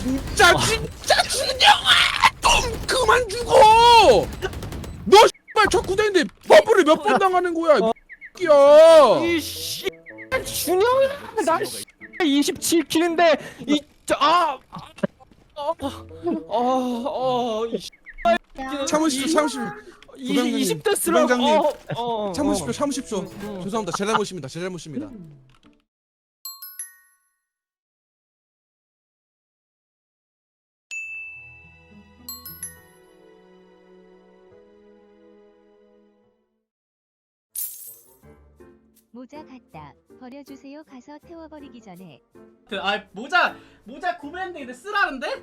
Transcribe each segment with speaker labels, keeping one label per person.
Speaker 1: 진짜 준영아 좀 그만 죽어. 너 씨발 척구대인데 버프를 몇 번 당하는 거야 이 새끼야.
Speaker 2: 이씨 준영이 나 27킬인데
Speaker 1: 참으십시오.
Speaker 2: 20대 쓰라.
Speaker 1: 부장님. 참으십시오. 죄송합니다. 제 잘못입니다.
Speaker 3: 모자 같다. 버려주세요. 가서 태워버리기 전에.
Speaker 4: 모자 구매했는데 근데 쓰라는데?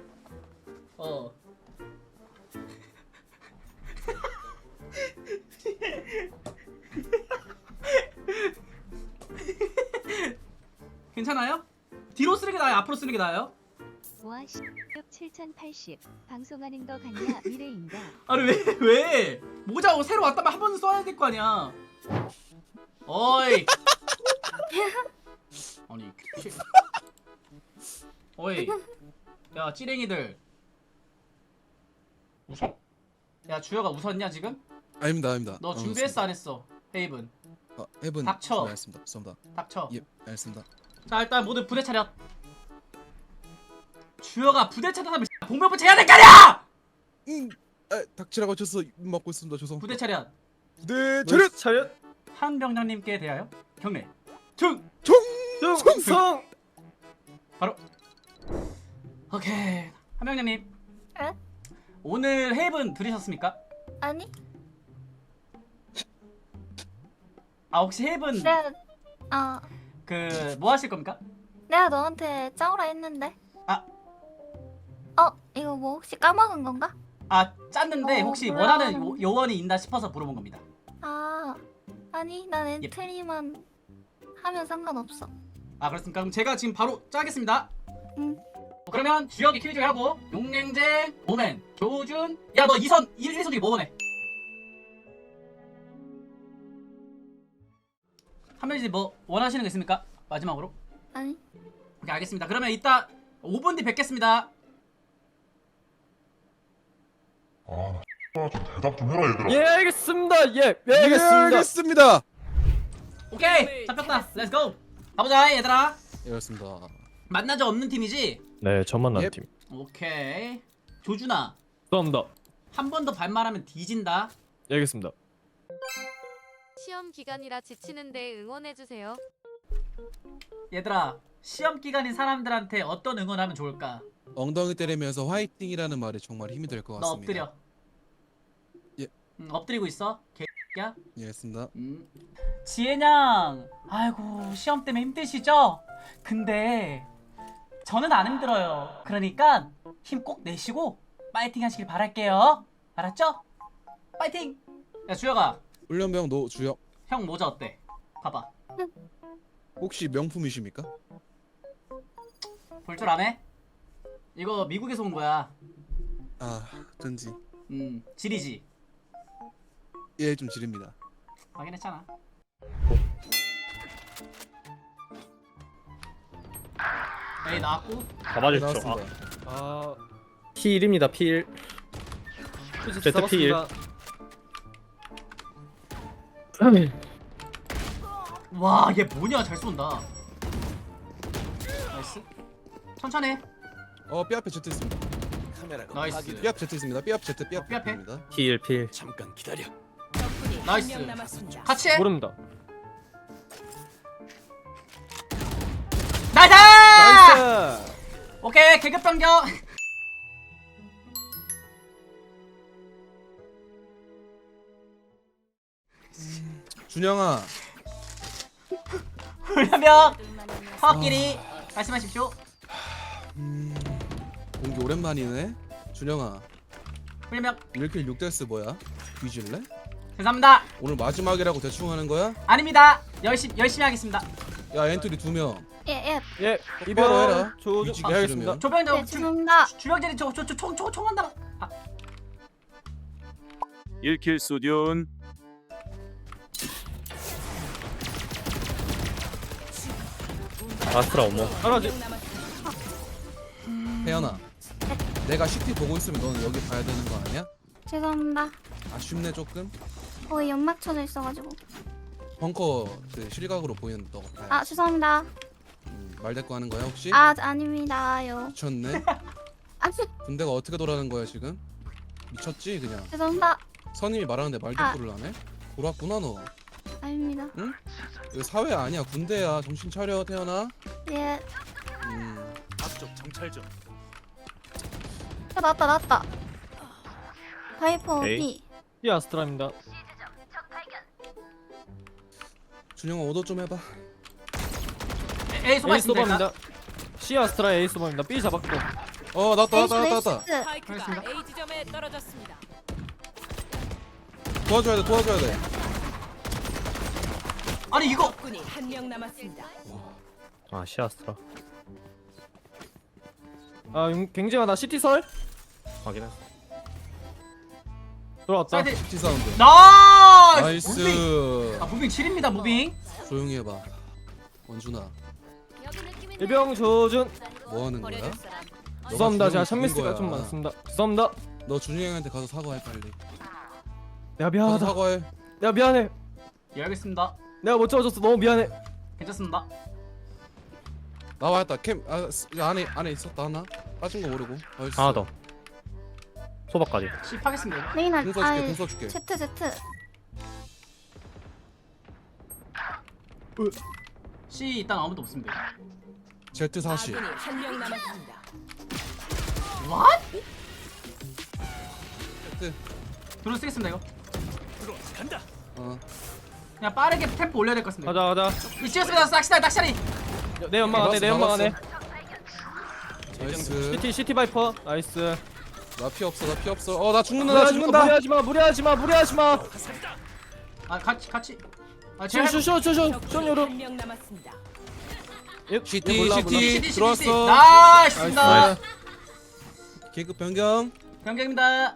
Speaker 4: 괜찮아요? 뒤로 쓰는 게 나아요? 앞으로 쓰는 게 나아요?
Speaker 3: 와 씨. 7080. 방송하는 거 같냐? 미래인가?
Speaker 4: 아니 왜? 모자 새로 왔다면 한 번 써야 될 거 아니야. 어이. 아니. 어이. 야 찌랭이들. 웃어? 야 주혁아 웃었냐 지금?
Speaker 1: 아닙니다.
Speaker 4: 너 준비했어 안 했어? 헤이븐.
Speaker 1: 해븐.
Speaker 4: 닥쳐.
Speaker 1: 알겠습니다. 죄송합니다.
Speaker 4: 닥쳐.
Speaker 1: 예, 알겠습니다.
Speaker 4: 자 일단 모두 부대 차렷. 주혁아 부대 차렷하면 봉변부터 해야 될 거 아니야!
Speaker 1: 닥치라고 쳐서 먹고 있습니다. 죄송.
Speaker 4: 부대 차렷.
Speaker 1: 네, 차렷.
Speaker 4: 한 병장님께 대하여 경례.
Speaker 2: 충성.
Speaker 4: 바로. 오케이. 한 병장님.
Speaker 5: 에?
Speaker 4: 오늘 헤이븐 들으셨습니까?
Speaker 5: 아니?
Speaker 4: 혹시 헤이븐
Speaker 5: 내가
Speaker 4: 뭐 하실 겁니까?
Speaker 5: 내가 너한테 짜오라 했는데.
Speaker 4: 아.
Speaker 5: 이거 뭐 혹시 까먹은 건가?
Speaker 4: 짰는데 혹시
Speaker 5: 몰라.
Speaker 4: 원하는 요원이 있나 싶어서 물어본 겁니다.
Speaker 5: 아니 난 엔트리만 하면 상관없어.
Speaker 4: 그렇습니까? 그럼 제가 지금 바로 짜겠습니다.
Speaker 5: 응.
Speaker 4: 그러면 주혁이 킬조이 하고 용냉쟁, 오멘, 조준. 야 너 2선 1선 중에 뭐 원해? 한 명씩 뭐 원하시는 거 있습니까? 마지막으로.
Speaker 5: 아니.
Speaker 4: 오케이 알겠습니다. 그러면 이따 5분 뒤 뵙겠습니다.
Speaker 6: 좀 대답 좀 해라 얘들아.
Speaker 2: 예 알겠습니다. 예
Speaker 1: 예,
Speaker 2: 알겠습니다.
Speaker 1: 알겠습니다.
Speaker 4: 오케이 잡혔다. 렛츠고. 가보자 얘들아.
Speaker 1: 예, 알겠습니다.
Speaker 4: 만난 적 없는 팀이지?
Speaker 2: 네 저만 난
Speaker 1: 예.
Speaker 2: 팀.
Speaker 4: 오케이. 조준아
Speaker 2: 감사합니다.
Speaker 4: 한 번 더 반말하면 뒤진다.
Speaker 2: 예, 알겠습니다.
Speaker 7: 시험 기간이라 지치는데 응원해주세요.
Speaker 4: 얘들아 시험 기간인 사람들한테 어떤 응원하면 좋을까?
Speaker 1: 엉덩이 때리면서 화이팅이라는 말이 정말 힘이 될 것
Speaker 4: 너
Speaker 1: 같습니다.
Speaker 4: 엎드려.
Speaker 1: 예.
Speaker 4: 엎드리고 있어. 개야.
Speaker 1: 예, 알겠습니다.
Speaker 4: 지혜냥, 아이고 시험 때문에 힘드시죠? 근데 저는 안 힘들어요. 그러니까 힘 꼭 내시고 파이팅 하시길 바랄게요. 알았죠? 파이팅! 야 주혁아,
Speaker 1: 훈련병 노주혁
Speaker 4: 형 모자 어때? 봐봐.
Speaker 1: 혹시 명품이십니까?
Speaker 4: 볼 줄 아네? 이거 미국에서 온 거야.
Speaker 1: 쩐지.
Speaker 4: 지리지.
Speaker 1: 예, 좀 지릅니다.
Speaker 4: 확인했잖아. 에이 나왔고.
Speaker 2: 가봐주십시오.
Speaker 1: 나왔습니다.
Speaker 2: P1입니다. P1. Z P1.
Speaker 4: 와, 얘 뭐냐? 잘 쏜다. 나이스. 천천히 해.
Speaker 1: 뼈 앞에 Z 있습니다.
Speaker 4: 나이스.
Speaker 1: 뼈 앞 Z 있습니다. 뼈 앞 Z, 뼈
Speaker 4: 뼈 앞에?
Speaker 1: 앞입니다.
Speaker 2: P1.
Speaker 1: 잠깐 기다려.
Speaker 4: 나이스. 같이 해.
Speaker 2: 모릅니다.
Speaker 4: 나이스!
Speaker 2: 나이스.
Speaker 4: 오케이, 계급 변경.
Speaker 1: 준영아,
Speaker 4: 훈련병 파업끼리 말씀하십시오.
Speaker 1: 공기 오랜만이네. 준영아,
Speaker 4: 훈련병
Speaker 1: 1킬 6데스 뭐야? 뒤질래?
Speaker 4: 죄송합니다.
Speaker 1: 오늘 마지막이라고 대충 하는 거야?
Speaker 4: 아닙니다. 열심히 하겠습니다.
Speaker 1: 야, 엔트리 2명.
Speaker 5: 예.
Speaker 2: 예
Speaker 1: 똑바로 해라.
Speaker 2: 조준.
Speaker 1: 위치가
Speaker 2: 예, 알겠습니다.
Speaker 1: 싫으면.
Speaker 4: 조병장
Speaker 5: 네, 죄송합니다.
Speaker 4: 주병장이 총 한다.
Speaker 8: 1킬 수디온.
Speaker 2: 아스트라 어머. 하나지.
Speaker 1: 태연아, 내가 CT 보고 있으면 너는 여기 봐야 되는 거 아니야?
Speaker 5: 죄송합니다.
Speaker 1: 아쉽네 조금.
Speaker 5: 거기 연막 쳐져 있어가지고.
Speaker 1: 벙커 그 실각으로 보이는 너가 봐야.
Speaker 5: 아 죄송합니다.
Speaker 1: 말대꾸 하는 거야 혹시?
Speaker 5: 아 아닙니다요.
Speaker 1: 미쳤네.
Speaker 5: 아
Speaker 1: 군대가 어떻게 돌아가는 거야 지금? 미쳤지 그냥.
Speaker 5: 죄송합니다.
Speaker 1: 선임이 말하는데 말대꾸를 하네? 돌았구나 너.
Speaker 5: 아닙니다.
Speaker 1: 이거 사회 아니야 군대야. 정신 차려 태연아.
Speaker 5: 예.
Speaker 8: 앞쪽 정찰 좀.
Speaker 5: 나왔다. 바이퍼
Speaker 2: 에이.
Speaker 5: B.
Speaker 2: C 아스트라입니다.
Speaker 1: 준영아 오더 좀 해봐.
Speaker 4: A 소바
Speaker 2: A
Speaker 4: 있습니다. 일단.
Speaker 2: 소바입니다. C 아스트라 A 소바입니다. B 잡았고.
Speaker 1: 나왔다.
Speaker 5: 에이스.
Speaker 4: 알겠습니다.
Speaker 7: A 지점에 떨어졌습니다.
Speaker 1: 도와줘야 돼.
Speaker 4: 아니 이거
Speaker 7: 군이 한 명 남았습니다.
Speaker 2: 아 C 아스트라. 아 굉장히 나 CT 설. 확인했어. 들어왔다.
Speaker 4: 사이드
Speaker 1: CT 사운드.
Speaker 4: 나이스. 무빙.
Speaker 1: 나이스.
Speaker 4: 아 무빙 7입니다 무빙.
Speaker 1: 조용히 해봐. 원준아
Speaker 2: 일병 조준.
Speaker 1: 뭐 하는 거야?
Speaker 2: 죄송합니다. 제가
Speaker 1: 준영이
Speaker 2: 샷미스가
Speaker 1: 죽인
Speaker 2: 좀
Speaker 1: 거야.
Speaker 2: 많습니다. 죄송합니다.
Speaker 1: 너 준이 형한테 가서 사과해 빨리.
Speaker 2: 내가
Speaker 1: 가서
Speaker 2: 미안하다.
Speaker 1: 사과해.
Speaker 2: 내가 미안해.
Speaker 4: 예 알겠습니다.
Speaker 2: 내가 못 잡아줬어. 너무 미안해.
Speaker 4: 괜찮습니다.
Speaker 1: 나왔다. 캠 안에 있었다 하나. 빠진 거 모르고.
Speaker 2: 하나 더. 소박까지.
Speaker 4: 씹하겠습니다.
Speaker 5: 레이나.
Speaker 1: 공 써줄게.
Speaker 5: Z.
Speaker 4: C 일단 아무도 없습니다.
Speaker 1: Z40.
Speaker 7: 한 명 남았습니다.
Speaker 4: What?
Speaker 1: Z.
Speaker 4: 드론 쓰겠습니다 이거.
Speaker 1: 어.
Speaker 4: 그냥 빠르게 템포 올려야 될 것 같습니다.
Speaker 2: 가자.
Speaker 4: 이 찍었습니다. 낚시다리.
Speaker 2: 내 연막 안에. 내 연막 안에.
Speaker 1: 나이스.
Speaker 2: CT 바이퍼. 나이스.
Speaker 1: 나 피 없어. 나 죽는다.
Speaker 2: 무리하지 마.
Speaker 4: 아 같이. 아 제가
Speaker 2: 쇼 요로.
Speaker 7: 한 명 남았습니다.
Speaker 1: CT 들어왔어.
Speaker 4: 나이스입니다.
Speaker 2: 나이스.
Speaker 1: 계급 변경.
Speaker 4: 변경입니다.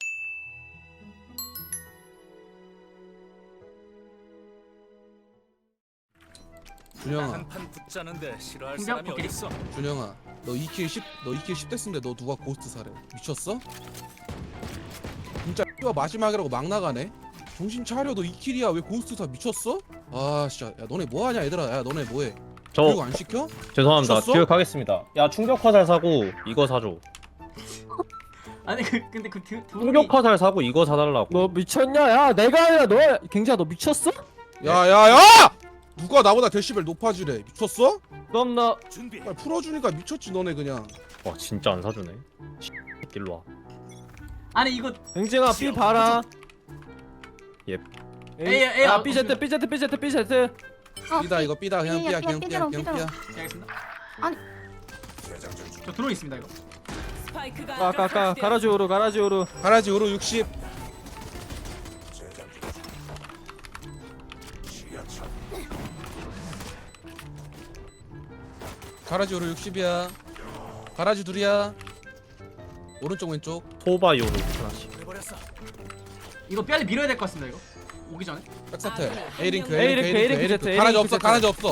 Speaker 1: 준영아.
Speaker 8: 한판 붙자는데 싫어할
Speaker 4: 공격
Speaker 8: 사람이
Speaker 4: 복귀.
Speaker 8: 어딨어?
Speaker 1: 준영아. 너 2킬 10 됐는데 너 누가 고스트 사래? 미쳤어? 진짜 X가 마지막이라고 막 나가네. 정신 차려. 너 2킬이야. 왜 고스트 사? 미쳤어? 아 진짜. 야 너네 뭐 하냐 얘들아. 야 너네 뭐해? 교육 안 시켜?
Speaker 2: 죄송합니다.
Speaker 1: 미쳤어?
Speaker 2: 교육하겠습니다. 야 충격 화살 사고 이거 사줘.
Speaker 4: 아니 근데 그
Speaker 2: 충격 화살 사고 이거 사달라고. 너 미쳤냐? 야 내가 아니라 너 경지야 너 미쳤어?
Speaker 1: 야야야! 누가 나보다 데시벨 높아지래? 미쳤어?
Speaker 2: 그럼 나
Speaker 8: 준비.
Speaker 1: 빨리 풀어주니까 미쳤지 너네 그냥.
Speaker 2: 와 진짜 안 사주네. 일로 와.
Speaker 4: 아니 이거
Speaker 2: 경지가 B 봐라.
Speaker 4: A
Speaker 2: 아 BZ.
Speaker 1: 삐다 이거 삐다 그냥 삐야 그냥 삐야 그냥 삐야.
Speaker 4: 알겠습니다.
Speaker 5: 아니.
Speaker 4: 저 드론 있습니다 이거.
Speaker 7: 스파이크가
Speaker 2: 아까 가라지오로.
Speaker 1: 가라지 오로 60. 가라지 오로 60이야. 가라지 둘이야. 오른쪽 왼쪽.
Speaker 2: 토바이오로 하나씩.
Speaker 8: 해버렸어.
Speaker 4: 이거 빨리 밀어야 될 것 같습니다 이거. 오기 전에.
Speaker 1: 백사태. A링크
Speaker 2: A링크, Z,
Speaker 1: 가라지 없어
Speaker 2: Z.
Speaker 1: 가라지 없어.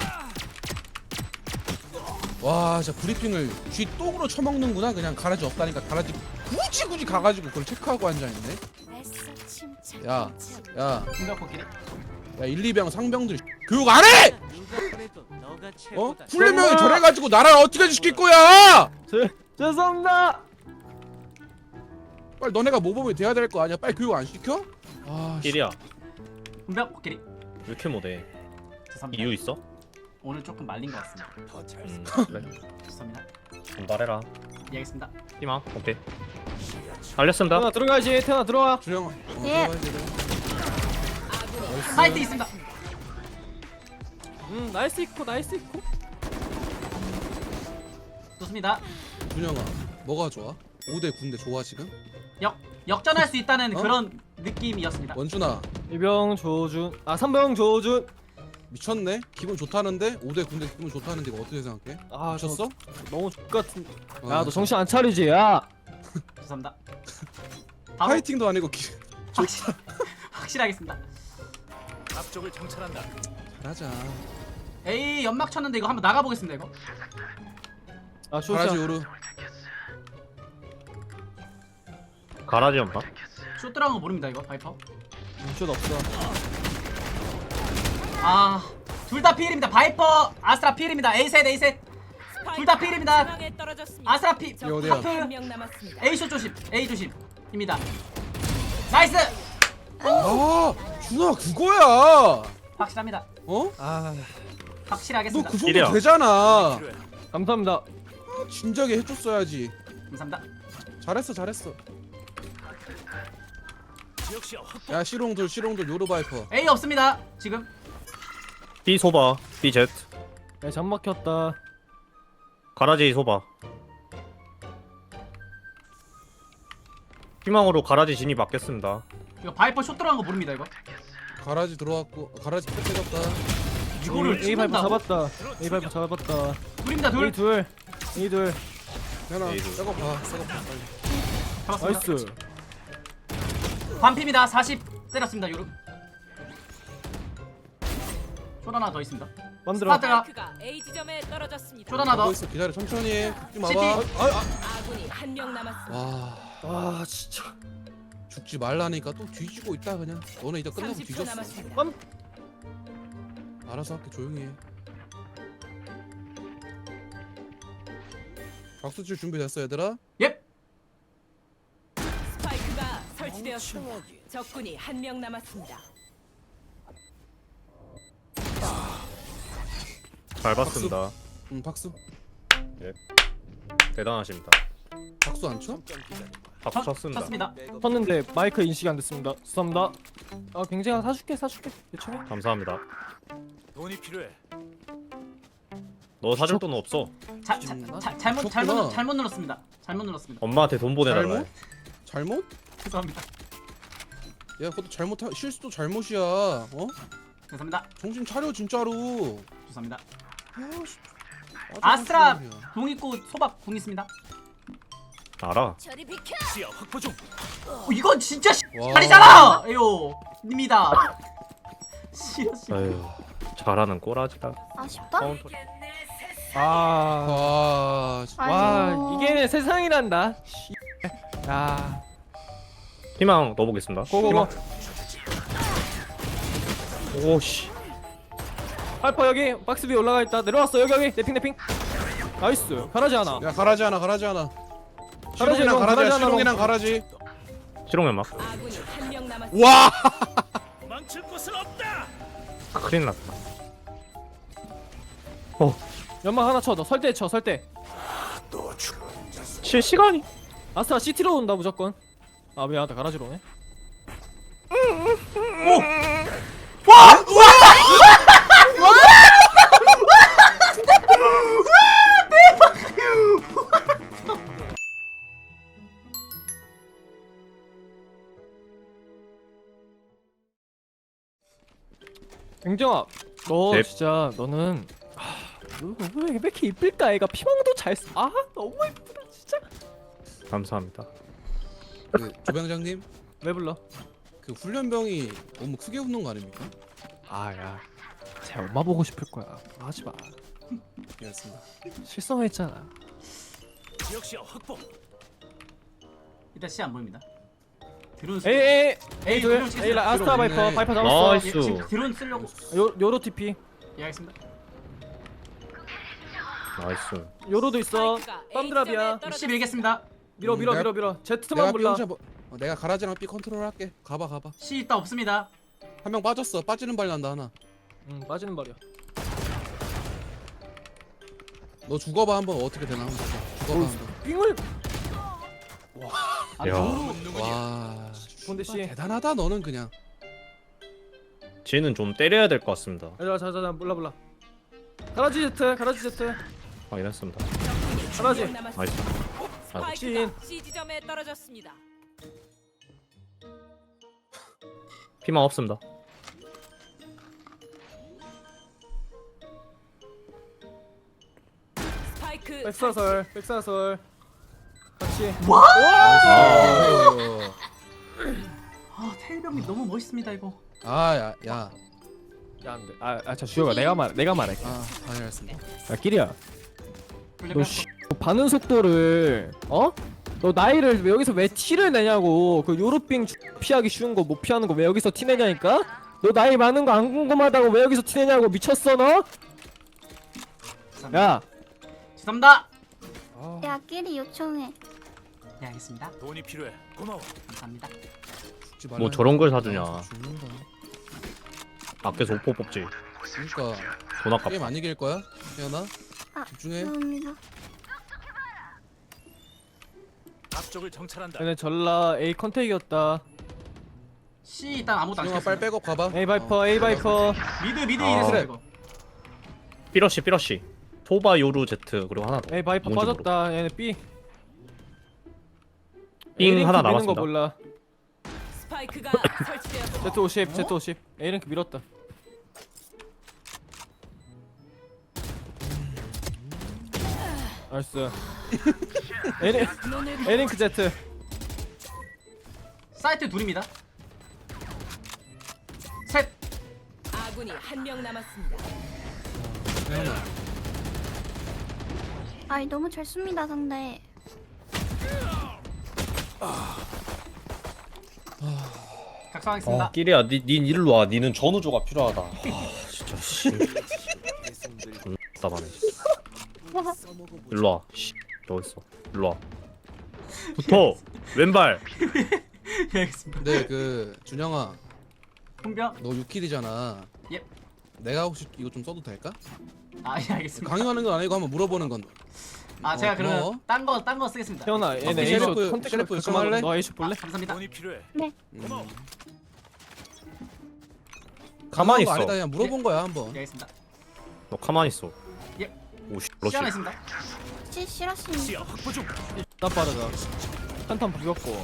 Speaker 1: 와 진짜 브리핑을 쥐 똥으로 처먹는구나. 그냥 가라지 없다니까 가라지 굳이 가가지고 그걸 체크하고 앉아있네. 야
Speaker 4: 공격 복귀.
Speaker 1: 야 1, 2병 상병들 교육 안 해! 어? 훈련병이 저래가지고 나라를 어떻게 지킬 거야!
Speaker 2: 죄송합니다.
Speaker 1: 빨리 너네가 모범이 돼야 될 거 아니야? 빨리 교육 안 시켜? 아 씨.
Speaker 2: 길이야.
Speaker 4: 공격 복귀.
Speaker 2: 왜 이렇게 못해?
Speaker 4: 죄송합니다.
Speaker 2: 이유 있어?
Speaker 4: 오늘 조금 말린 것 같습니다.
Speaker 2: 그래.
Speaker 4: 죄송합니다.
Speaker 2: 말해라.
Speaker 4: 예, 알겠습니다.
Speaker 2: 희망. 오케이. 알렸습니다. 태나 들어가야지. 태나 들어와.
Speaker 1: 주영아
Speaker 5: 예.
Speaker 4: 사이트 있습니다.
Speaker 2: 나이스 있고.
Speaker 4: 좋습니다.
Speaker 1: 준영아 뭐가 좋아? 5대 9인데 좋아 지금?
Speaker 4: 역전할 수 있다는
Speaker 1: 어?
Speaker 4: 그런 느낌이었습니다.
Speaker 1: 원준아
Speaker 2: 2병 조준. 3병 조준.
Speaker 1: 미쳤네? 기분 좋다는데? 5대 9인데 기분 좋다는데 이거 어떻게 생각해?
Speaker 2: 아,
Speaker 1: 미쳤어?
Speaker 2: 너무 X같은.
Speaker 1: 어,
Speaker 2: 야, 너 정신 안 차리지? 야.
Speaker 4: 죄송합니다. 바로
Speaker 1: 파이팅도 아니고
Speaker 4: 확실하겠습니다.
Speaker 8: 앞쪽을 정찰한다.
Speaker 1: 잘하자.
Speaker 4: A 연막 쳤는데 이거 한번 나가보겠습니다 이거.
Speaker 2: 아,
Speaker 1: 가라지
Speaker 2: 쇼샤.
Speaker 1: 오르
Speaker 2: 가라지 없나?
Speaker 4: 쇼 들어간 거 모릅니다 이거 바이퍼.
Speaker 2: 슛 없어.
Speaker 4: 둘 다 필입니다. 바이퍼 아스트라 필입니다. A셋 A셋 둘 다 필입니다.
Speaker 7: 중앙에 떨어졌습니다.
Speaker 4: 아스트라 필
Speaker 1: 이거 어디야?
Speaker 4: 하프
Speaker 7: 한명 남았습니다.
Speaker 4: A 슛 조심 A 조심입니다. 나이스
Speaker 1: 아 준아 그거야.
Speaker 4: 확실합니다.
Speaker 1: 어?
Speaker 2: 아
Speaker 1: 너
Speaker 4: 확실하겠습니다.
Speaker 1: 그
Speaker 2: 이래요.
Speaker 1: 정도 되잖아.
Speaker 8: 필요해.
Speaker 2: 감사합니다.
Speaker 1: 진작에 해줬어야지.
Speaker 4: 감사합니다.
Speaker 1: 잘했어.
Speaker 8: 지역 시야 확보.
Speaker 1: 야 실용들 요르바이퍼.
Speaker 4: A 없습니다 지금.
Speaker 9: B 소바 B Z
Speaker 2: 야, 잠 막혔다.
Speaker 9: 가라지 소바 희망으로 가라지 진입 맞겠습니다.
Speaker 4: 이거 바이퍼 쇼 들어간 거 모릅니다 이거.
Speaker 1: 가라지 들어왔고 가라지 끝 때렸다.
Speaker 4: 이거를
Speaker 2: A 파이프
Speaker 4: 죽는다고?
Speaker 2: 잡았다. A 파이프 잡았다.
Speaker 4: 둘입니다
Speaker 2: A
Speaker 4: 둘.
Speaker 2: 둘. A 둘.
Speaker 1: 현아
Speaker 9: 에이구.
Speaker 1: 새거 봐 새거 봐 빨리.
Speaker 4: 잡았습니다.
Speaker 2: 나이스.
Speaker 4: 반피입니다. 40 때렸습니다 요르. 쇼 하나 더 있습니다.
Speaker 2: 만들어.
Speaker 4: 스타트가
Speaker 7: 스파이크가 A 지점에 떨어졌습니다.
Speaker 4: 쇼 하나 더.
Speaker 1: 가고 있어 기다려 천천히. 죽지 마봐.
Speaker 4: 시티.
Speaker 7: 아군이 한명 남았습니다.
Speaker 1: 와
Speaker 2: 아 진짜.
Speaker 1: 죽지 말라니까 또 뒤지고 있다 그냥. 너네 이제 끝나고
Speaker 7: 30초
Speaker 1: 뒤졌어.
Speaker 7: 남았습니다.
Speaker 1: 알아서 할게 조용히 해. 박수칠 준비됐어 얘들아?
Speaker 4: 예.
Speaker 7: 스파이크가 설치되었습니다. 적군이 한명 남았습니다.
Speaker 9: 잘 봤습니다.
Speaker 1: 응 박수.
Speaker 9: 대단하십니다.
Speaker 1: 박수 안 쳐?
Speaker 9: 박수 쳤습니다.
Speaker 4: 쳤습니다.
Speaker 2: 쳤는데 마이크 인식이 안 됐습니다. 죄송합니다. 아 굉장히 사줄게. 요청해.
Speaker 9: 감사합니다.
Speaker 8: 돈이 필요해.
Speaker 9: 너 사줄 돈 없어.
Speaker 1: 쳤구나.
Speaker 4: 잘못 눌렀습니다. 잘못 눌렀습니다.
Speaker 9: 엄마한테 돈 보내달라. 해.
Speaker 1: 잘못?
Speaker 4: 죄송합니다.
Speaker 1: 야 그것도 실수도 잘못이야. 어?
Speaker 4: 죄송합니다.
Speaker 1: 정신 차려 진짜로.
Speaker 4: 죄송합니다.
Speaker 1: 아씨.
Speaker 4: 아스트라 공 있고 소박 공 있습니다.
Speaker 9: 알아.
Speaker 8: 시야 확보 중.
Speaker 4: 이건 진짜
Speaker 1: 와.
Speaker 4: 잘이잖아. 에요 입니다. 씨야.
Speaker 9: 아유 잘하는 꼬라지다.
Speaker 5: 아쉽다.
Speaker 9: 카운터.
Speaker 2: 아.
Speaker 1: 와.
Speaker 2: 와
Speaker 5: 아이고.
Speaker 2: 이게 세상이란다. 씨. 야.
Speaker 9: 희망 넣어보겠습니다.
Speaker 2: 고고고.
Speaker 9: 오씨.
Speaker 2: 파이퍼 여기 박스 위에 올라가 있다. 내려왔어 여기 내핑. 나이스. 가라지 하나.
Speaker 1: 야 가라지 하나.
Speaker 2: 가라지
Speaker 1: 실용이랑
Speaker 2: 이거,
Speaker 1: 가라지야.
Speaker 2: 가라지 하나
Speaker 1: 실용이랑
Speaker 2: 먹어.
Speaker 1: 가라지.
Speaker 9: 실용연막.
Speaker 7: 아군이 한명 남았습니다.
Speaker 1: 와.
Speaker 8: 망칠 곳은 없다.
Speaker 9: 큰일 났다.
Speaker 2: 연막 하나 쳐. 너 설대 쳐. 설대.
Speaker 9: 실시간이.
Speaker 2: 아스트라 CT로 온다 무조건. 아 미안하다. 가라지로 오네. 갱정아, 너
Speaker 9: 네.
Speaker 2: 진짜 너는 왜 이렇게 이쁠까? 애가 피망도 잘 써. 아 너무 이쁘다 진짜.
Speaker 9: 감사합니다.
Speaker 1: 그 조병장님
Speaker 2: 왜 불러?
Speaker 1: 그 훈련병이 너무 크게 웃는 거 아닙니까?
Speaker 2: 아야, 제 엄마 보고 싶을 거야. 하지 마.
Speaker 1: 알겠습니다.
Speaker 2: 실성했잖아.
Speaker 8: 지역 시야 확보.
Speaker 4: 일단 씨 안 보입니다. 드론
Speaker 2: 에이
Speaker 4: 에이
Speaker 2: 둘.
Speaker 4: 드론
Speaker 2: 에이 라 아스트라
Speaker 1: 들어오네.
Speaker 2: 바이퍼. 바이퍼 잡았어.
Speaker 9: 나이스.
Speaker 4: 예, 지금 드론 쓰려고
Speaker 2: 요로 TP.
Speaker 4: 예 알겠습니다.
Speaker 9: 나이스.
Speaker 2: 요로도 있어.
Speaker 7: 스파이크가 A
Speaker 2: 빰드랍이야.
Speaker 7: 지점에
Speaker 4: 10
Speaker 7: 떨어졌습니다.
Speaker 4: 밀겠습니다.
Speaker 2: 밀어.
Speaker 1: 내가
Speaker 2: 제트만 몰라.
Speaker 1: 삐 혼자 내가 가라지랑 삐 컨트롤 할게. 가봐.
Speaker 4: C 있다 없습니다.
Speaker 1: 한 명 빠졌어. 빠지는 발 난다 하나.
Speaker 2: 빠지는 발이야.
Speaker 1: 너 죽어봐 한번 어떻게 되나 한번 보자. 죽어봐 한번.
Speaker 2: 삥을.
Speaker 4: 아,
Speaker 9: 야.
Speaker 4: 너무
Speaker 1: 와.
Speaker 2: 본대 씨.
Speaker 1: 대단하다 너는 그냥.
Speaker 9: 쟤는 좀 때려야 될 것 같습니다.
Speaker 2: 자자 몰라. 가라지 제트.
Speaker 9: 확인했습니다.
Speaker 2: 가라지.
Speaker 7: 한명 남았습니다.
Speaker 9: 나이스.
Speaker 7: 스파이크가 C 지점에 떨어졌습니다.
Speaker 9: 피망 없습니다.
Speaker 7: 스파이크
Speaker 2: 백사설. 같이.
Speaker 1: 아유.
Speaker 4: 아 태일병님 너무 멋있습니다 이거.
Speaker 1: 야.
Speaker 2: 야 안돼. 자 주혁아 내가 말할게.
Speaker 1: 알겠습니다.
Speaker 2: 야 끼리야.
Speaker 4: 블랙
Speaker 2: 너 씨, 반응 속도를 너 나이를 왜 여기서 왜 티를 내냐고. 그 요르빙 피하기 쉬운 거 못 피하는 거 왜 여기서 티 내냐니까. 너 나이 많은 거 안 궁금하다고 왜 여기서 티 내냐고. 미쳤어 너? 야
Speaker 4: 죄송합니다.
Speaker 5: 야 끼리 요청해.
Speaker 4: 네 알겠습니다.
Speaker 8: 돈이 필요해. 고마워.
Speaker 4: 감사합니다.
Speaker 1: 죽지 말라
Speaker 9: 뭐 저런 걸 사주냐.
Speaker 1: 아, 죽는다.
Speaker 9: 밖에서 오포 뽑지.
Speaker 1: 그러니까
Speaker 9: 돈 아깝다.
Speaker 1: 게임 안 이길 거야? 태연아
Speaker 5: 아,
Speaker 1: 집중해.
Speaker 5: 죄송합니다.
Speaker 8: 앞쪽을 정찰한다.
Speaker 2: 얘네 전라 A 컨택이었다.
Speaker 4: C 일단 아무것도 안
Speaker 1: 준영아 빨리
Speaker 4: 시켰습니다.
Speaker 1: 백업 가봐.
Speaker 2: A 바이퍼 A 바이퍼.
Speaker 4: 미드
Speaker 9: 아.
Speaker 4: 이랬어
Speaker 1: 그래.
Speaker 4: 이거.
Speaker 9: 삐러시. 토바 요루 제트 그리고 하나 더.
Speaker 2: A 바이퍼
Speaker 9: 뭔지
Speaker 2: 빠졌다. 얘네 B.
Speaker 9: 삥
Speaker 2: A 링크
Speaker 9: 하나
Speaker 2: 미는 거
Speaker 9: 남았습니다.
Speaker 2: 몰라.
Speaker 7: 스파이크가 설치되었습니다.
Speaker 2: Z50 Z50 A 링크 밀었다. 나이스. A 링크 Z.
Speaker 4: 사이트 둘입니다. 셋.
Speaker 7: 아군이 한 명 남았습니다.
Speaker 1: 태연아
Speaker 5: 아이 너무 잘 씁니다 상대.
Speaker 4: 각성하겠습니다.
Speaker 9: 끼리야, 닌 일로 와. 니는 전우조가 필요하다. 아, 진짜 씨. 답답하네. 일로 와. 씨. 여기 있어. 일로 와. 붙어. 왼발.
Speaker 4: 예, 알겠습니다.
Speaker 1: 근데 그 준영아
Speaker 4: 훈병.
Speaker 1: 너 6킬이잖아.
Speaker 4: 예.
Speaker 1: 내가 혹시 이거 좀 써도 될까?
Speaker 4: 아 예 알겠습니다.
Speaker 1: 강요하는 건 아니고 한번 물어보는 건.
Speaker 4: 아 제가
Speaker 1: 고마워.
Speaker 4: 그러면 딴 거 쓰겠습니다.
Speaker 2: 태연아 얘네 A
Speaker 1: 셰리프,
Speaker 2: 숏 컨택
Speaker 1: 셰리프
Speaker 2: 가끔하고
Speaker 1: 요청할래?
Speaker 2: 너 A 숏 볼래?
Speaker 4: 감사합니다.
Speaker 8: 돈이 필요해.
Speaker 1: 음.
Speaker 9: 가만히
Speaker 1: 강요한 거
Speaker 9: 있어.
Speaker 1: 아니다 그냥 물어본 거야 한번.
Speaker 4: 예 알겠습니다.
Speaker 9: 너 가만히 있어.
Speaker 4: 예.
Speaker 9: 오씨.
Speaker 4: C
Speaker 9: 러시.
Speaker 4: 하나 있습니다.
Speaker 5: 싫었습니다.
Speaker 8: 시야 확보 중.
Speaker 2: 나 빠르다. 한탄 부겼고.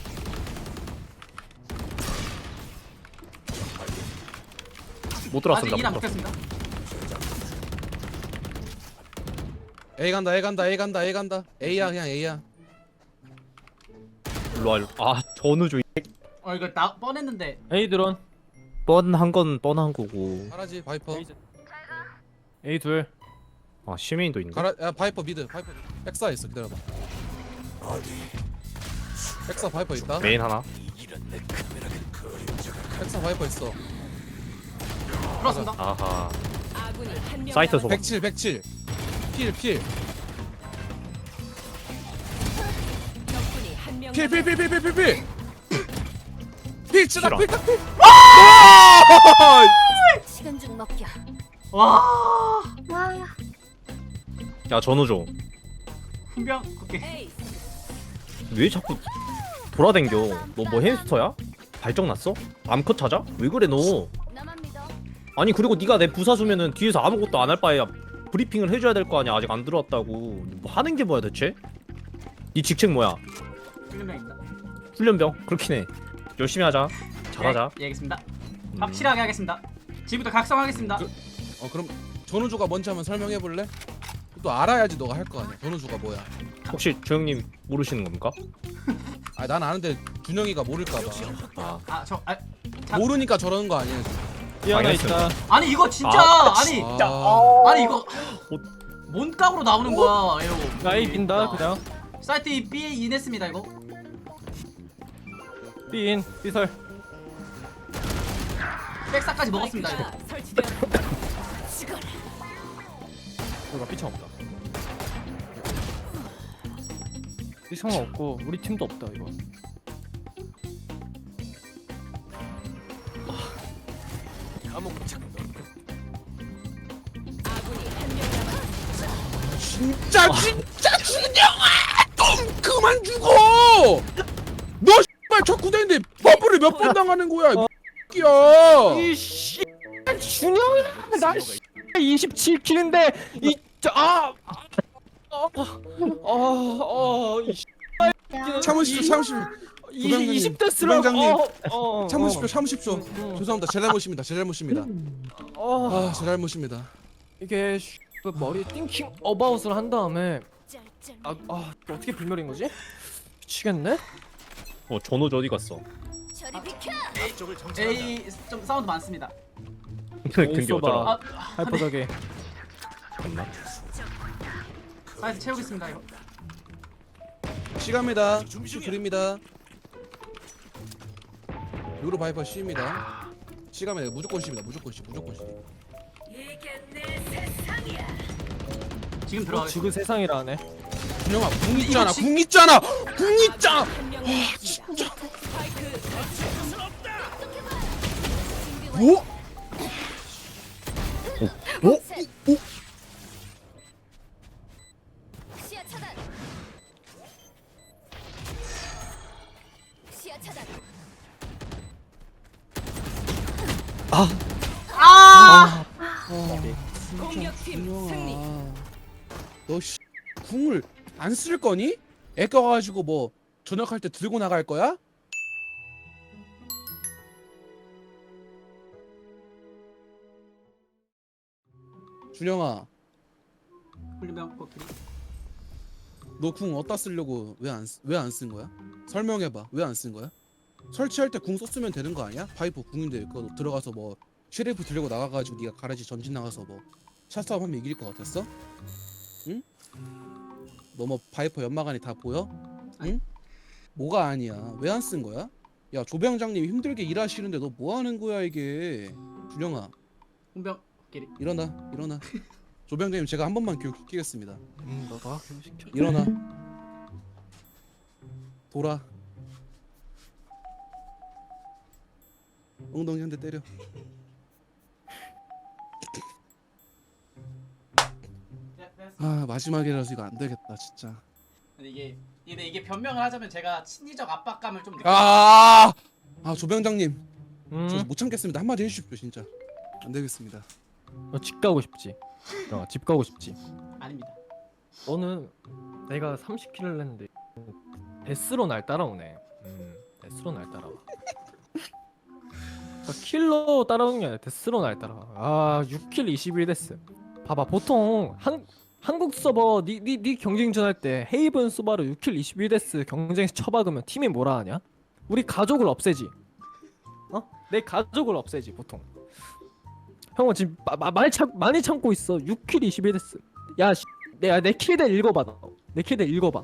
Speaker 9: 못
Speaker 4: 아직
Speaker 9: 들어왔습니다.
Speaker 4: 일안
Speaker 9: 못 들어왔습니다.
Speaker 4: 붙였습니다.
Speaker 1: A 간다 A 간다 A 간다 A 간다. A야 그냥 A야.
Speaker 9: 일로 와. 일로. 아, 전우조.
Speaker 4: 이거 나 뻔했는데.
Speaker 2: A 드론.
Speaker 9: 뻔한 건 뻔한 거고.
Speaker 1: 가라지 바이퍼.
Speaker 2: A 둘.
Speaker 9: 아, 시메인도 있네.
Speaker 1: 가라 야 바이퍼 미드 바이퍼. 백사 있어 기다려봐. 백사 바이퍼 있다.
Speaker 9: 메인 하나.
Speaker 1: 백사 바이퍼 있어.
Speaker 4: 들어왔습니다.
Speaker 9: 아하.
Speaker 7: 아군이 한 명
Speaker 9: 사이트
Speaker 7: 남았습니다.
Speaker 9: 소금.
Speaker 1: 107 필.
Speaker 7: 적군이 한 명
Speaker 1: 필
Speaker 7: 남았습니다.
Speaker 1: 치다
Speaker 9: 싫어.
Speaker 1: 필.
Speaker 7: 시간 좀 먹겨.
Speaker 4: 와.
Speaker 5: 와.
Speaker 9: 야, 전우조.
Speaker 4: 훈병. 오케이.
Speaker 7: 에이,
Speaker 9: 왜 자꾸 돌아댕겨? 너 뭐 햄스터야? 발정 났어? 암컷 찾아? 왜 그래 너?
Speaker 7: 나만 믿어.
Speaker 9: 아니 그리고 네가 내 부사수면은 뒤에서 아무것도 안 할 바에야 브리핑을 해줘야 될 거 아니야. 아직 안 들어왔다고. 뭐 하는 게 뭐야 대체? 네 직책 뭐야?
Speaker 4: 훈병입니다.
Speaker 9: 훈련병? 그렇긴 해. 열심히 하자. 잘하자.
Speaker 4: 예 알겠습니다. 확실하게 하겠습니다. 지금부터 각성하겠습니다.
Speaker 1: 그럼 전우주가 뭔지 한번 설명해 볼래? 또 알아야지 너가 할 거 아니야. 전우주가 뭐야?
Speaker 9: 혹시 조영님 모르시는 겁니까?
Speaker 1: 아 난 아는데 준영이가 모를까 봐.
Speaker 9: 아,
Speaker 4: 자,
Speaker 1: 모르니까 저러는 거 아니야?
Speaker 2: B 하나
Speaker 9: 알겠습니다.
Speaker 2: 있다.
Speaker 4: 아니 이거 진짜
Speaker 9: 아,
Speaker 4: 아니
Speaker 1: 아,
Speaker 4: 아니 이거 뭔 깡으로 나오는 거야 에어.
Speaker 2: 나 A 빈다 그냥.
Speaker 4: 사이트 B에 인했습니다 이거.
Speaker 2: B 인 B 설.
Speaker 4: 백사까지 먹었습니다 이거.
Speaker 7: 스파이크가 설치되었습니다.
Speaker 2: 우리가 삐창 없다. 삐창 없고 우리 팀도 없다 이거.
Speaker 7: 아군이 한 명 남았습니다.
Speaker 1: 진짜 준영아 좀 그만 죽어. 너 씨발 자꾸 되는데 버프를 몇 번 당하는 거야? 야.
Speaker 2: 이씨 준영아 나 27킬인데
Speaker 1: 참으십시오.
Speaker 2: 이 20대
Speaker 1: 부장님.
Speaker 2: 쓰라고.
Speaker 1: 참으십시오. 죄송합니다. 제 잘못입니다. 제 잘못입니다. 제 잘못입니다.
Speaker 2: 이게 그 머리에 띵킹 어바웃을 한 다음에 어떻게 불멸인 거지? 미치겠네.
Speaker 9: 전우조 어디 갔어?
Speaker 7: 저리 비켜.
Speaker 8: 앞쪽을 정찰한다.
Speaker 4: A 좀 사운드 많습니다.
Speaker 9: 근데
Speaker 2: 쏘봐.
Speaker 9: 어쩌라?
Speaker 2: 하이퍼덕에.
Speaker 9: 잠깐만.
Speaker 4: 사이트 채우겠습니다 이거.
Speaker 1: 시간입니다.
Speaker 8: 준비 중이야.
Speaker 1: 드립니다. 요로 바이퍼 C입니다. 시간입니다. 무조건 C입니다. 무조건 C. 무조건 C.
Speaker 4: 지금 들어가겠습니다.
Speaker 2: 지금 세상이라 하네.
Speaker 1: 준영아 궁 있잖아. 궁 있잖아. 궁 있잖아.
Speaker 7: 한명 남았습니다. 스파이크
Speaker 1: 뭐?
Speaker 5: 시야 차단. 시야 차단.
Speaker 7: 공격팀 승리.
Speaker 1: 너 씨, 궁을 안 쓸 거니? 애 꺼가지고 뭐 전역할 때 들고 나갈 거야? 준영아,
Speaker 4: 훌륭한 코끼리.
Speaker 1: 너 궁 어디다 쓰려고 왜 안 쓴 거야? 설명해봐. 왜 안 쓴 거야? 설치할 때 궁 썼으면 되는 거 아니야? 파이프 궁인데 그거 들어가서 뭐 쉐리프 들고 나가가지고 네가 가라지 전진 나가서 뭐 샷싸움 하면 이길 것 같았어? 응? 너 뭐 바이퍼 연마관이 다 보여? 응? 뭐가 아니야? 왜 안 쓴 거야? 야 조병장님 힘들게 일하시는데 너 뭐 하는 거야 이게? 준영아
Speaker 4: 홍병 코끼리.
Speaker 1: 일어나. 조병장님 제가 한 번만 교육시키겠습니다.
Speaker 2: 너가 교육시켜.
Speaker 1: 일어나. 돌아. 엉덩이 한 대 때려. 아 마지막이라서 이거 안 되겠다 진짜.
Speaker 4: 근데 이게 변명을 하자면 제가 심리적 압박감을 좀 느끼.
Speaker 1: 아 조병장님 저
Speaker 2: 음.
Speaker 1: 못 참겠습니다. 한마디 해주십시오 진짜. 안 되겠습니다.
Speaker 2: 너 집 가고 싶지? 집 가고 싶지?
Speaker 4: 아닙니다.
Speaker 2: 너는 내가 30킬을 했는데 데스로 날 따라오네. 데스로 날 따라와. 그러니까 킬로 따라오는 게 아니라 데스로 날 따라와. 아 6킬 21데스. 봐봐 보통 한국 서버 니 경쟁전 할 때 헤이븐 소바로 6킬 21데스 경쟁에서 쳐박으면 팀이 뭐라 하냐? 우리 가족을 없애지. 내 가족을 없애지 보통. 형은 지금 많이 참고 있어. 6킬 21데스. 야 내 킬대 읽어봐. 내 킬대 읽어봐.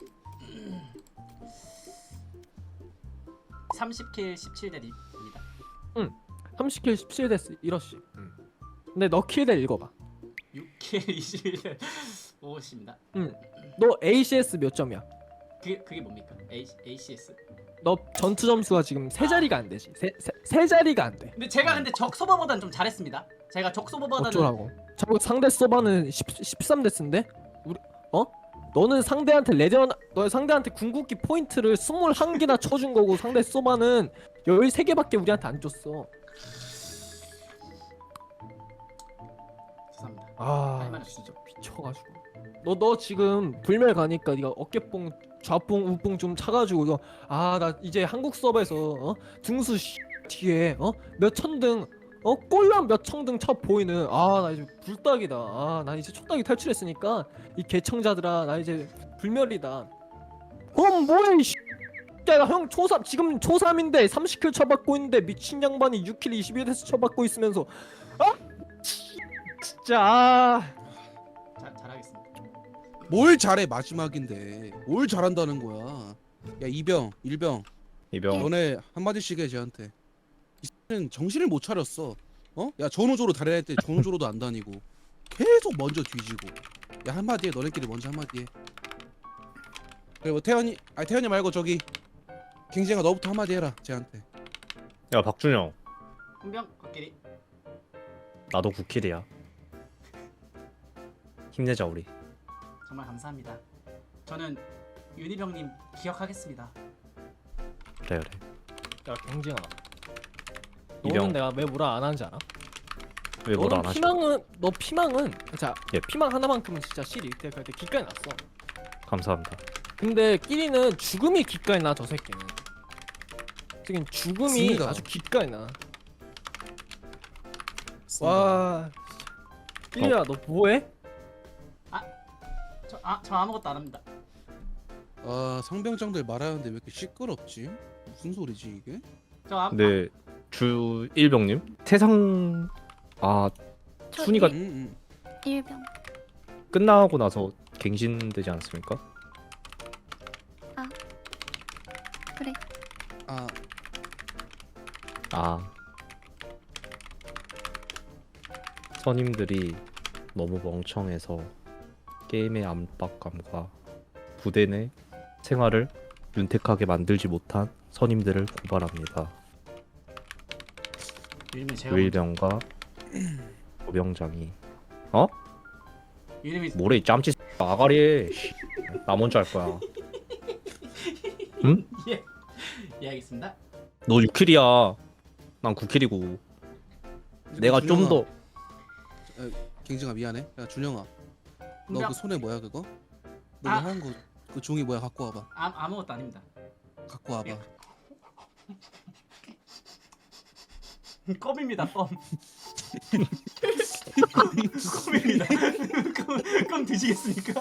Speaker 4: 30킬 17대 립입니다.
Speaker 2: 30킬 17데스 이러시. 근데 너 킬대 읽어봐.
Speaker 4: 6킬 21대 5입니다.
Speaker 2: 너 ACS 몇 점이야?
Speaker 4: 그게 뭡니까? ACS.
Speaker 2: 너 전투 점수가 지금 세 자리가 안 되지. 세 자리가 안 돼.
Speaker 4: 근데 제가 적 소바보다는 좀 잘했습니다. 제가 적 소바보다는
Speaker 2: 어쩌라고? 저거 상대 서버는 13데스인데? 우리 너는 상대한테 너 상대한테 궁극기 포인트를 21개나 쳐준 거고 상대 서버는 13개밖에 우리한테 안 줬어.
Speaker 4: 죄송합니다.
Speaker 2: 아,
Speaker 4: 말 없으시죠?
Speaker 2: 미쳐가지고. 너 지금 불멸 가니까 네가 어깨뽕, 좌뽕, 우뽕 좀 차가지고 이거 나 이제 한국 서버에서 등수 뒤에 몇 천등 꼴랑 몇 천등 쳐 보이는 나 이제 불닭이다. 나 이제 촛닭이 탈출했으니까 이 개청자들아 나 이제 불멸이다. 그럼 뭐해 이 야, 형 초3 지금 초3인데 30킬 쳐받고 있는데 미친 양반이 6킬 21에서 쳐받고 있으면서 진짜
Speaker 4: 잘하겠습니다.
Speaker 1: 뭘 잘해 마지막인데 뭘 잘한다는 거야. 야 이병 일병 너네 한마디씩 해 쟤한테. 이 X는 정신을 못 차렸어. 야 전우조로 다려야 할 때 전우조로도 안 다니고 계속 먼저 뒤지고. 야 한마디 해. 너네끼리 먼저 한마디 해. 그래 뭐 태연이 말고 저기 갱쟁아 너부터 한마디 해라 쟤한테.
Speaker 9: 야 박준영
Speaker 4: 홍병 코끼리.
Speaker 9: 나도 9킬이야. 힘내자 우리.
Speaker 4: 정말 감사합니다. 저는 윤희병님 기억하겠습니다.
Speaker 9: 그래.
Speaker 2: 야 경진아
Speaker 9: 이병.
Speaker 2: 너는 내가 왜 뭐라 안 하는지 알아?
Speaker 9: 왜 뭐라 안
Speaker 2: 너는
Speaker 9: 하지?
Speaker 2: 피망은 자
Speaker 9: 예.
Speaker 2: 피망 하나만큼은 진짜 실이 그때 기가에 났어.
Speaker 9: 감사합니다.
Speaker 2: 근데 끼리는 죽음이 기가에 나. 저 새끼는 지금 죽음이
Speaker 1: 맞습니다.
Speaker 2: 아주 기가에 나. 와 끼리야 너 뭐해?
Speaker 4: 저 아무것도 안 합니다.
Speaker 1: 상병장들 말하는데 왜 이렇게 시끄럽지? 무슨 소리지 이게?
Speaker 9: 근데 주 1병님 세상
Speaker 5: 저
Speaker 9: 순위가
Speaker 5: 일병.
Speaker 9: 끝나고 나서 갱신되지 않습니까? 선임들이 너무 멍청해서 게임의 압박감과 부대 내 생활을 윤택하게 만들지 못한 선임들을 고발합니다.
Speaker 4: 이름이 제가
Speaker 9: 조일병과 고병장이
Speaker 4: 이름이
Speaker 9: 뭐래 이 짬치 아가리 씨. 나 먼저 할 거야.
Speaker 4: 예 알겠습니다.
Speaker 9: 너 6킬이야. 난 9킬이고. 내가 좀 더
Speaker 1: 갱징아 미안해. 야 준영아, 너
Speaker 4: 분명
Speaker 1: 그 손에 뭐야 그거? 너
Speaker 4: 아.
Speaker 1: 하는 거 그 종이 뭐야? 갖고 와봐.
Speaker 4: 아무것도 아닙니다.
Speaker 1: 갖고 와봐.
Speaker 4: 껌입니다. 껌. 껌입니다. 껌 드시겠습니까?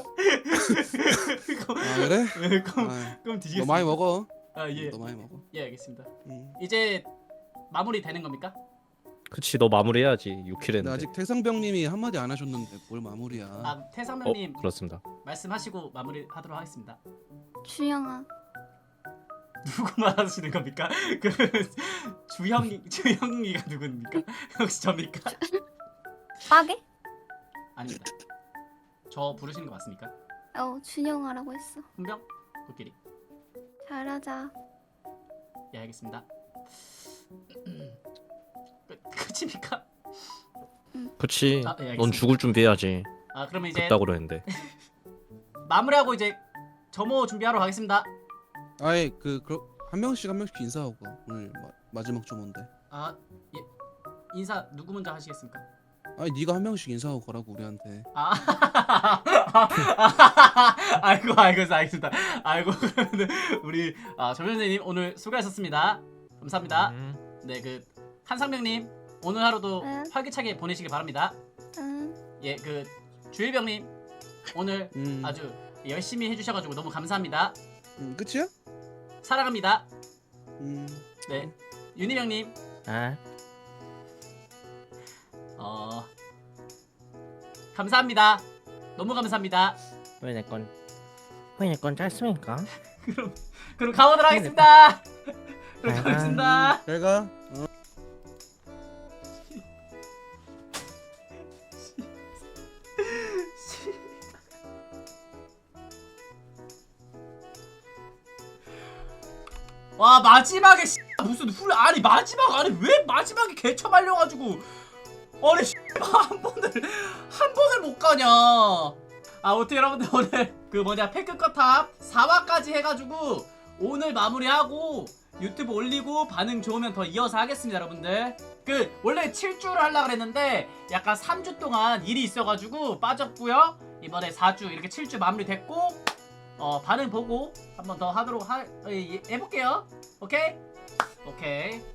Speaker 1: 아 그래?
Speaker 4: 껌
Speaker 1: 아,
Speaker 4: 껌
Speaker 1: 너
Speaker 4: 드시겠습니까?
Speaker 1: 많이 먹어.
Speaker 4: 아 예.
Speaker 1: 너 많이 먹어.
Speaker 4: 예 알겠습니다.
Speaker 1: 응.
Speaker 4: 이제 마무리 되는 겁니까?
Speaker 9: 그치 너 마무리해야지 6킬
Speaker 1: 근데
Speaker 9: 했는데.
Speaker 1: 아직 태상병님이 한마디 안 하셨는데 뭘 마무리야?
Speaker 4: 아 태상명님
Speaker 9: 그렇습니다.
Speaker 4: 말씀하시고 마무리하도록 하겠습니다.
Speaker 5: 주영아.
Speaker 4: 누구 말하시는 겁니까? 그 주형이가 누굽니까? 혹시 접니까?
Speaker 5: 빠게?
Speaker 4: 아닙니다. 저 부르시는 거 맞습니까?
Speaker 5: 준영아라고 했어.
Speaker 4: 훈병? 코끼리.
Speaker 5: 잘하자.
Speaker 4: 예 알겠습니다. 끝입니까?
Speaker 9: 그치.
Speaker 4: 아, 예, 알겠습니다.
Speaker 9: 넌 죽을 준비해야지.
Speaker 4: 아 그러면 이제
Speaker 9: 그따고 그랬는데.
Speaker 4: 마무리하고 이제 점호 준비하러 가겠습니다.
Speaker 1: 아예 한 명씩 인사하고 가. 오늘 마지막 주문데.
Speaker 4: 아 예. 인사 누구 먼저 하시겠습니까?
Speaker 1: 아니 네가 한 명씩 인사하고 가라고 우리한테.
Speaker 4: 아 아이고 알겠습니다. 아이고 그러면은 우리 조현재님 오늘 수고하셨습니다. 감사합니다. 네 그 한상병님 오늘 하루도
Speaker 5: 응.
Speaker 4: 활기차게 보내시길 바랍니다.
Speaker 5: 응.
Speaker 4: 예 그 주일병님 오늘 아주 열심히 해주셔가지고 너무 감사합니다.
Speaker 1: 끝이야?
Speaker 4: 사랑합니다.
Speaker 1: 음.
Speaker 4: 네 윤희병님
Speaker 9: 아.
Speaker 4: 감사합니다. 너무 감사합니다.
Speaker 9: 왜 내 건 짧습니까?
Speaker 4: 그럼 가보도록 하겠습니다. 그럼 가보겠습니다.
Speaker 1: 잘 가.
Speaker 4: 와 마지막에 무슨 아니 마지막 아니 왜 마지막에 개처 말려가지고 아니 한 번을 못 가냐. 어떻게 여러분들 오늘 그 뭐냐 패크컷탑 4화까지 해가지고 오늘 마무리하고 유튜브 올리고 반응 좋으면 더 이어서 하겠습니다 여러분들. 그 원래 7주를 하려고 그랬는데 약간 3주 동안 일이 있어가지고 빠졌고요. 이번에 4주 이렇게 7주 마무리 됐고 반응 보고 한 번 더 하도록 해볼게요. 오케이? 오케이.